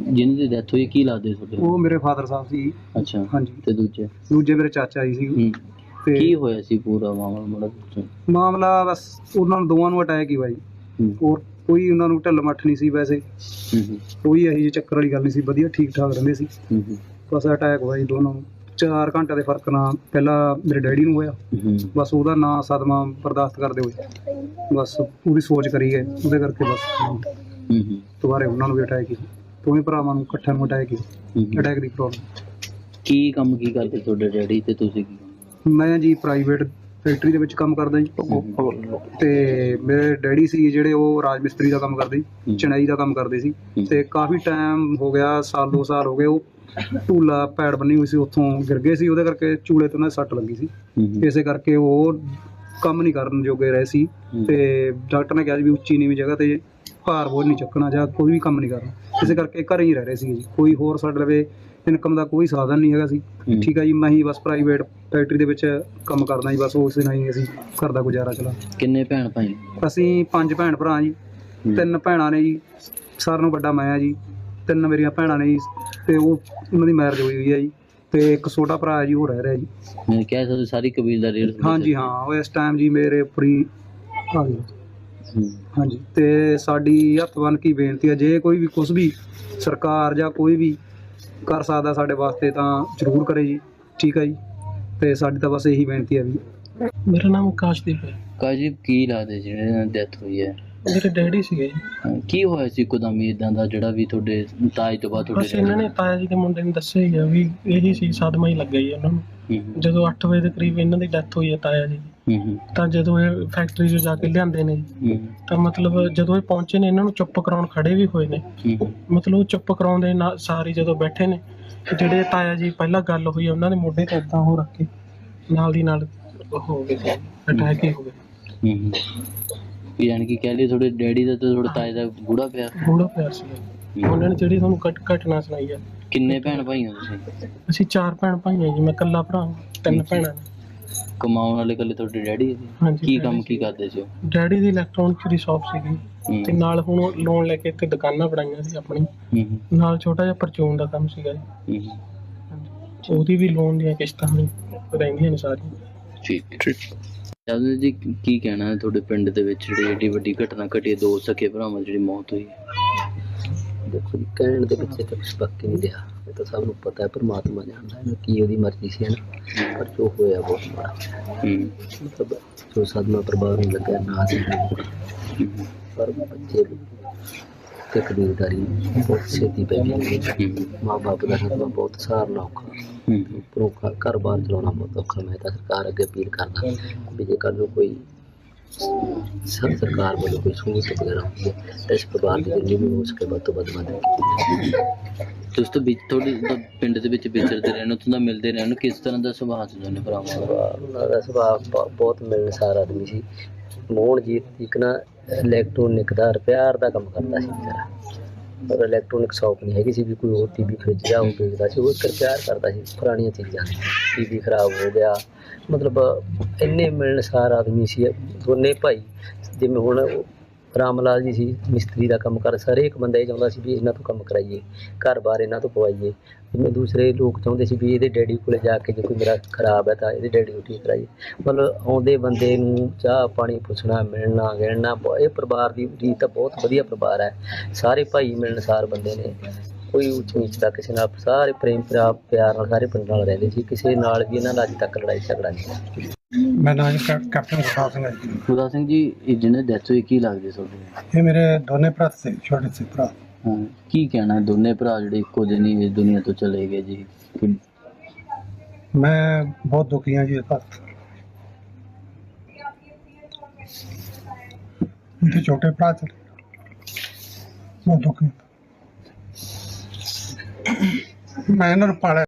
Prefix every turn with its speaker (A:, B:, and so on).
A: ਜਿਨ੍ਹਾਂ ਦੀ ਡੈਥ ਹੋਈ ਕੀ ਲੱਗਦੇ ਤੁਹਾਡੇ?
B: ਉਹ ਮੇਰੇ ਫਾਦਰ ਸਾਹਿਬ ਸੀ।
A: ਅੱਛਾ।
B: ਹਾਂਜੀ।
A: ਤੇ ਦੂਜੇ?
B: ਦੂਜੇ ਮੇਰੇ ਚਾਚਾ ਜੀ ਸੀ। ਤੇ
A: ਕੀ ਹੋਇਆ ਸੀ ਪੂਰਾ ਮਾਮਲਾ?
B: ਮਾਮਲਾ ਬਸ ਉਹਨਾਂ ਨੂੰ ਦੋਵਾਂ ਨੂੰ ਅਟੈਕ ਹੀ ਹੋਇਆ ਜੀ। ਹੋਰ ਕੋਈ ਉਹਨਾਂ ਨੂੰ ਢਿੱਲ ਮੱਠ ਨਹੀਂ ਸੀ ਵੈਸੇ। ਕੋਈ ਇਹੋ ਜਿਹੀ ਚੱਕਰ ਵਾਲੀ ਗੱਲ ਨਹੀਂ ਸੀ, ਵਧੀਆ ਠੀਕ ਠਾਕ ਰਹਿੰਦੇ ਸੀ। ਬਸ ਅਟੈਕ ਹੋਇਆ ਜੀ ਦੋਨਾਂ ਨੂੰ 4 ਘੰਟੇ ਦੇ ਫਰਕ ਨਾਲ। ਪਹਿਲਾਂ ਮੇਰੇ ਡੈਡੀ ਨੂੰ ਹੋਇਆ, ਬਸ ਉਹਦਾ ਨਾਂ ਸਦਮਾ ਬਰਦਾਸ਼ਤ ਕਰਦੇ ਹੋਏ ਬਸ ਉਹਦੀ ਸੋਚ ਕਰੀ ਗਏ, ਉਹਦੇ ਕਰਕੇ ਬਸ ਦੁਬਾਰੇ ਉਹਨਾਂ ਨੂੰ ਵੀ ਅਟੈਕ ਹੀ। ਦੋਵੇਂ ਭਰਾਵਾਂ ਨੂੰ ਇਕੱਠਿਆਂ ਨੂੰ ਅਟੈਕ ਹੀ, ਅਟੈਕ ਦੀ ਪ੍ਰੋਬਲਮ।
A: ਕੀ ਕੰਮ ਕੀ ਕਰਦੇ ਤੁਹਾਡੇ ਡੈਡੀ ਤੇ ਤੁਸੀਂ ਕੀ?
B: ਮੈਂ ਜੀ ਪ੍ਰਾਈਵੇਟ ਫੈਕਟਰੀ ਦੇ ਵਿੱਚ ਕੰਮ ਕਰਦਾ ਜੀ। ਤੇ ਮੇਰੇ ਡੈਡੀ ਸੀ ਜਿਹੜੇ ਉਹ ਰਾਜ ਮਿਸਤਰੀ ਦਾ ਕੰਮ ਕਰਦੇ ਸੀ, ਚਣਾਈ ਦਾ ਕੰਮ ਕਰਦੇ ਸੀ। ਤੇ ਕਾਫੀ ਟਾਈਮ ਹੋ ਗਿਆ, ਸਾਲ 2 ਸਾਲ ਹੋ ਗਏ, ਉਹ ਢੂਲਾ ਪੈੜ ਬੰਨੀ ਹੋਈ ਸੀ, ਉੱਥੋਂ ਗਿਰ ਗਏ ਸੀ, ਉਹਦੇ ਕਰਕੇ ਚੂਲੇ ਤੋਂ ਉਹਨਾਂ ਦੀ ਸੱਟ ਲੱਗੀ ਸੀ। ਇਸੇ ਕਰਕੇ ਉਹ ਕੰਮ ਨਹੀਂ ਕਰਨ ਜੋਗੇ ਰਹੇ ਸੀ। ਤੇ ਡਾਕਟਰ ਨੇ ਕਿਹਾ ਸੀ ਵੀ ਉੱਚੀ ਨੀਵੀਂ ਜਗ੍ਹਾ ਤੇ ਭਾਰ ਬੋਝ ਨਹੀਂ ਚੱਕਣਾ ਜਾਂ ਕੋਈ ਵੀ ਕੰਮ ਨਹੀਂ ਕਰਨਾ। ਇਸੇ ਕਰਕੇ ਘਰੇ ਹੀ ਰਹਿ ਰਹੇ ਸੀ ਜੀ। ਕੋਈ ਹੋਰ ਸਾਡੇ ਲਵੇ ਇਨਕਮ ਦਾ ਕੋਈ ਸਾਧਨ ਨਹੀਂ ਹੈਗਾ ਸੀ। ਠੀਕ ਹੈ ਜੀ। ਮੈਂ ਹੀ ਬਸ ਪ੍ਰਾਈਵੇਟ ਫੈਕਟਰੀ ਦੇ ਵਿੱਚ ਕੰਮ ਕਰਦਾ ਜੀ, ਬਸ ਉਸੇ ਨਾਲ ਹੀ ਅਸੀਂ ਘਰ ਦਾ ਗੁਜ਼ਾਰਾ ਚਲਾ।
A: ਕਿੰਨੇ ਭੈਣ ਭਾਈ? ਅਸੀਂ
B: 5 ਭੈਣ ਭਰਾ ਜੀ। 3 ਭੈਣਾਂ ਨੇ ਜੀ, ਸਾਰਿਆਂ ਨੂੰ ਵੱਡਾ ਮੈਂ ਜੀ। 3 ਮੇਰੀਆਂ ਭੈਣਾਂ ਨੇ ਜੀ, ਤੇ ਉਹਨਾਂ ਦੀ ਮੈਰਿਜ ਹੋਈ ਹੈ ਜੀ। ਤੇ ਇੱਕ ਛੋਟਾ ਭਰਾ ਹੈ ਜੀ, ਉਹ ਰਹਿ ਰਿਹਾ ਜੀ।
A: ਮੈਂ ਕਹਿ ਸਕਦਾ ਸਾਰੀ ਕਬੀਲਦਾਰੀ?
B: ਹਾਂਜੀ ਹਾਂ, ਉਹ ਇਸ ਟਾਈਮ ਜੀ ਮੇਰੇ ਉੱਪਰ ਹੀ ਆ ਗਈ। ਹਾਂਜੀ। ਤੇ ਸਾਡੀ ਹੱਥ ਬੰਨ੍ਹ ਕੇ ਬੇਨਤੀ ਹੈ, ਜੇ ਕੋਈ ਵੀ ਕੁਛ ਵੀ ਸਰਕਾਰ ਜਾਂ ਕੋਈ ਵੀ ਕਰ ਸਕਦਾ ਸਾਡੇ ਵਾਸਤੇ ਤਾਂ ਜ਼ਰੂਰ ਕਰੇ ਜੀ। ਠੀਕ ਹੈ ਜੀ। ਤੇ ਸਾਡੀ ਤਾਂ ਬਸ ਇਹੀ ਬੇਨਤੀ ਹੈ ਵੀ।
C: ਮੇਰਾ ਨਾਮ ਆਕਾਸ਼ਦੀਪ ਹੈ।
A: ਆਕਾਸ਼ਦੀਪ, ਕੀ ਲੱਗਦੇ ਜਿਹੜੇ ਡੈਥ ਹੋਈ ਹੈ?
C: ਮੇਰੇ ਡੈਡੀ ਸੀਗੇ ਜੀ।
A: ਕੀ ਹੋਇਆ ਸੀ ਇੱਕਦਮ ਇੱਦਾਂ ਦਾ ਜਿਹੜਾ ਵੀ ਤੁਹਾਡੇ ਤਾਏ ਤੋਂ ਬਾਅਦ
C: ਬਸ ਇਹਨਾਂ ਨੇ ਤਾਇਆ ਜੀ ਦੇ ਮੁੰਡੇ ਨੇ ਦੱਸਿਆ ਹੀ ਆ ਵੀ ਇਹੀ ਸੀ, ਸਦਮਾ ਹੀ ਲੱਗਿਆ ਜੀ ਉਹਨਾਂ ਨੂੰ। ਜਦੋਂ 8 ਵਜੇ ਦੇ ਕਰੀਬ ਇਹਨਾਂ ਦੀ ਡੈਥ ਹੋਈ ਹੈ ਤਾਇਆ ਜੀ। ਤਾਂ ਜਦੋਂ ਇਹ ਫੈਕਟਰੀ 'ਚ ਜਾ ਕੇ ਲਿਆਂਦੇ ਨੇ ਤਾਂ ਮਤਲਬ ਜਦੋਂ ਇਹ ਪਹੁੰਚੇ ਨੇ, ਇਹਨਾਂ ਨੂੰ ਚੁੱਪ ਕਰਾਉਣ ਖੜੇ ਵੀ ਹੋਏ ਨੇ। ਮਤਲਬ ਚੁੱਪ ਕਰਾਉਣ ਦੇ ਨਾਲ ਸਾਰੀ ਜਦੋਂ ਬੈਠੇ ਨੇ, ਜਿਹੜੇ ਤਾਇਆ ਜੀ ਪਹਿਲਾਂ ਗੱਲ ਹੋਈ ਉਹਨਾਂ ਦੇ ਮੋਢੇ ਤੇ ਏਦਾਂ ਹੋ ਰੱਖ ਕੇ ਨਾਲ ਦੀ ਨਾਲ ਹੋ ਗਏ ਸੀ, ਅਟੈਕ ਹੀ ਹੋ ਗਏ।
A: ਯਾਨੀ ਕਿ ਕਹਿ ਲਈ ਤੁਹਾਡੇ ਡੈਡੀ ਦਾ ਤੇ ਤੁਹਾਡੇ ਤਾਏ ਦਾ ਗੂੜਾ
C: ਪਿਆਰ ਸੀ। ਉਹਨਾਂ ਨੇ ਜਿਹੜੀ ਤੁਹਾਨੂੰ ਘਟਨਾ ਸੁਣਾਈ ਆ। ਕਿੰਨੇ ਭੈਣ ਭਾਈ ਹੋ ਤੁਸੀਂ? ਅਸੀਂ 4 ਭੈਣ ਭਾਈ ਹਾਂ ਜੀ। ਮੈਂ ਇਕੱਲਾ ਭਰਾ, 3 ਭੈਣਾਂ ਨੇ।
A: ਕਮਾਉਣ ਵਾਲੇ ਇਕੱਲੇ ਤੁਹਾਡੇ ਡੈਡੀ?
C: ਹਾਂਜੀ।
A: ਕੀ ਕੰਮ ਕੀ ਕਰਦੇ ਸੀ ਉਹ?
C: ਡੈਡੀ ਦੀ ਇਲੈਕਟ੍ਰੋਨਿਕ ਦੀ ਸ਼ਾਪ ਸੀਗੀ, ਤੇ ਨਾਲ ਹੁਣ ਲੋਨ ਲੈ ਕੇ ਇੱਥੇ ਦੁਕਾਨਾਂ ਬਣਾਈਆਂ ਸੀ ਆਪਣੀ। ਨਾਲ ਛੋਟਾ ਜਿਹਾ ਪਰਚੂਨ ਦਾ ਕੰਮ ਸੀਗਾ ਜੀ। ਉਹਦੀ ਵੀ ਲੋਨ ਦੀਆਂ ਕਿਸ਼ਤਾਂ ਰਹਿੰਦੀਆਂ ਨੇ ਸਾਰੀਆਂ।
A: ਠੀਕ। ਜਾਦੂ ਜੀ, ਕੀ ਕਹਿਣਾ ਹੈ ਤੁਹਾਡੇ ਪਿੰਡ ਦੇ ਵਿੱਚ ਜਿਹੜੀ ਏਡੀ ਵੱਡੀ ਘਟਨਾ ਘਟੀ, 2 ਸਕੇ ਭਰਾਵਾਂ ਜਿਹੜੀ ਮੌਤ ਹੋਈ?
D: ਦੇਖੋ ਜੀ, ਕਹਿਣ ਦੇ ਪਿੱਛੇ ਤਾਂ ਕੁਛ ਬਾਕੀ ਨਹੀਂ ਰਿਹਾ। ਇਹ ਤਾਂ ਸਭ ਨੂੰ ਪਤਾ ਹੈ, ਪਰਮਾਤਮਾ ਜਾਣਦਾ ਹੈ ਕੀ ਉਹਦੀ ਮਰਜ਼ੀ ਸੀ, ਹੈ ਨਾ। ਪਰ ਜੋ ਹੋਇਆ ਬਹੁਤ ਮਾੜਾ। ਮਤਲਬ ਜੋ ਸਦਮਾ ਪਰਿਵਾਰ ਨੂੰ ਲੱਗਿਆ ਨਾ ਸੀ, ਪਰ ਬੱਚੇ ਤੇ ਕਬੀਲਦਾਰੀ ਬਹੁਤ ਛੇਤੀ ਪੈ ਗਈ। ਮਾਂ ਬਾਪ ਦਾ ਸਦਮਾ ਬਹੁਤ ਸਹਾਰਨਾ ਔਖਾ, ਉੱਪਰੋਂ ਘਰ ਬਾਰ ਚਲਾਉਣਾ ਬਹੁਤ ਔਖਾ। ਮੈਂ ਤਾਂ ਸਰਕਾਰ ਅੱਗੇ ਅਪੀਲ ਕਰਦਾ ਵੀ ਜੇ ਕੱਲ੍ਹ ਨੂੰ ਕੋਈ ਸਰਕਾਰ ਵੱਲੋਂ ਕੋਈ ਸਹੂਲਤ ਵਗੈਰਾ ਹੁੰਦੀ ਹੈ ਤਾਂ ਇਸ ਪਰਿਵਾਰ ਦੀ ਜਿੰਨੀ ਵੀ ਹੋ ਸਕੇ ਵੱਧ ਤੋਂ ਵੱਧ ਮਦਦ ਕੀਤੀ ਜਾਵੇ।
A: ਤੁਸੀਂ ਤਾਂ ਤੁਹਾਡੇ ਪਿੰਡ ਦੇ ਵਿੱਚ ਵਿਚਰਦੇ ਰਹਿਣ, ਉੱਥੋਂ ਦਾ ਮਿਲਦੇ ਰਹਿਣ, ਕਿਸ ਤਰ੍ਹਾਂ ਦਾ ਸੁਭਾਅ ਸੀ ਦੋਨੇ ਭਰਾਵਾਂ ਦਾ?
D: ਉਹਨਾਂ ਦਾ ਸੁਭਾਅ ਬਹੁਤ ਮਿਲਣਸਾਰ ਆਦਮੀ ਸੀ। ਮੋਹਨਜੀਤ ਇੱਕ ਨਾ ਇਲੈਕਟ੍ਰੋਨਿਕ ਦਾ ਰਿਪੇਅਰ ਦਾ ਕੰਮ ਕਰਦਾ ਸੀ ਵਿਚਾਰਾ। ਪਰ ਇਲੈਕਟ੍ਰੋਨਿਕ ਸ਼ੌਪ ਨਹੀਂ ਹੈਗੀ ਸੀ ਵੀ ਕੋਈ ਹੋਰ TV ਫਰਿੱਜ ਜਾਂ ਉਹ ਵੇਚਦਾ ਸੀ। ਉਹ ਇੱਕ ਰਿਪੇਅਰ ਕਰਦਾ ਸੀ ਪੁਰਾਣੀਆਂ ਚੀਜ਼ਾਂ। TV ਖਰਾਬ ਹੋ ਗਿਆ, ਮਤਲਬ ਇੰਨੇ ਮਿਲਣਸਾਰ ਆਦਮੀ ਸੀ ਦੋਨੇ ਭਾਈ। ਜਿਵੇਂ ਹੁਣ ਰਾਮ ਲਾਲ ਜੀ ਸੀ, ਮਿਸਤਰੀ ਦਾ ਕੰਮ ਕਰ, ਹਰੇਕ ਬੰਦਾ ਇਹ ਚਾਹੁੰਦਾ ਸੀ ਵੀ ਇਹਨਾਂ ਤੋਂ ਕੰਮ ਕਰਾਈਏ, ਘਰ ਬਾਰ ਇਹਨਾਂ ਤੋਂ ਪਵਾਈਏ। ਜਿਵੇਂ ਦੂਸਰੇ ਲੋਕ ਚਾਹੁੰਦੇ ਸੀ ਵੀ ਇਹਦੇ ਡੈਡੀ ਕੋਲ ਜਾ ਕੇ ਜੇ ਕੋਈ ਮੇਰਾ ਖਰਾਬ ਹੈ ਤਾਂ ਇਹਦੇ ਡੈਡੀ ਨੂੰ ਠੀਕ ਕਰਾਈਏ। ਮਤਲਬ ਆਉਂਦੇ ਬੰਦੇ ਨੂੰ ਚਾਹ ਪਾਣੀ ਪੁੱਛਣਾ, ਮਿਲਣਾ ਗਿਲਣਾ। ਇਹ ਪਰਿਵਾਰ ਦੀ ਰੀਤ ਤਾਂ ਬਹੁਤ ਵਧੀਆ ਪਰਿਵਾਰ ਹੈ। ਸਾਰੇ ਭਾਈ ਮਿਲਣਸਾਰ ਬੰਦੇ ਨੇ, ਕੋਈ ਉੱਚ ਨੀਚ ਦਾ ਕਿਸੇ ਨਾਲ, ਸਾਰੇ ਪ੍ਰੇਮ ਪਿਆਰ ਨਾਲ ਸਾਰੇ ਪਿੰਡ ਨਾਲ ਰਹਿੰਦੇ ਸੀ। ਕਿਸੇ ਨਾਲ ਵੀ ਇਹਨਾਂ ਦਾ ਅੱਜ ਤੱਕ ਲੜਾਈ ਝਗੜਾ ਨਹੀਂ।
B: ਮੈਂ ਨਾਮ ਕੈਪਟਨ ਗੁਰਦਾਸ ਸਿੰਘ ਹੈ ਜੀ।
A: ਗੁਰਦਾਸ ਸਿੰਘ ਜੀ, ਇਹ ਜਿਹਨੇ ਡੈਥ ਹੋਈ ਕੀ ਲੱਗਦੇ ਤੁਹਾਡੇ?
B: ਇਹ ਮੇਰੇ ਦੋਨੇ ਭਰਾ ਸੀ, ਛੋਟੇ ਸੀ ਭਰਾ।
A: ਕੀ ਕਹਿਣਾ ਦੋਨੇ ਭਰਾ ਜਿਹੜੇ ਇੱਕੋ ਦਿਨ ਹੀ ਇਸ ਦੁਨੀਆ ਤੋਂ ਚਲੇ ਗਏ ਜੀ?
B: ਮੈਂ ਬਹੁਤ ਦੁਖੀ ਹਾਂ ਜੀ ਇਸ ਬਾਤ ਤੋਂ। ਮੇਰੇ ਛੋਟੇ ਭਰਾ ਚਲੇ, ਬਹੁਤ ਦੁਖੀ। ਮੈਂ ਇਹਨਾਂ ਨੂੰ ਪਾਲਿਆ।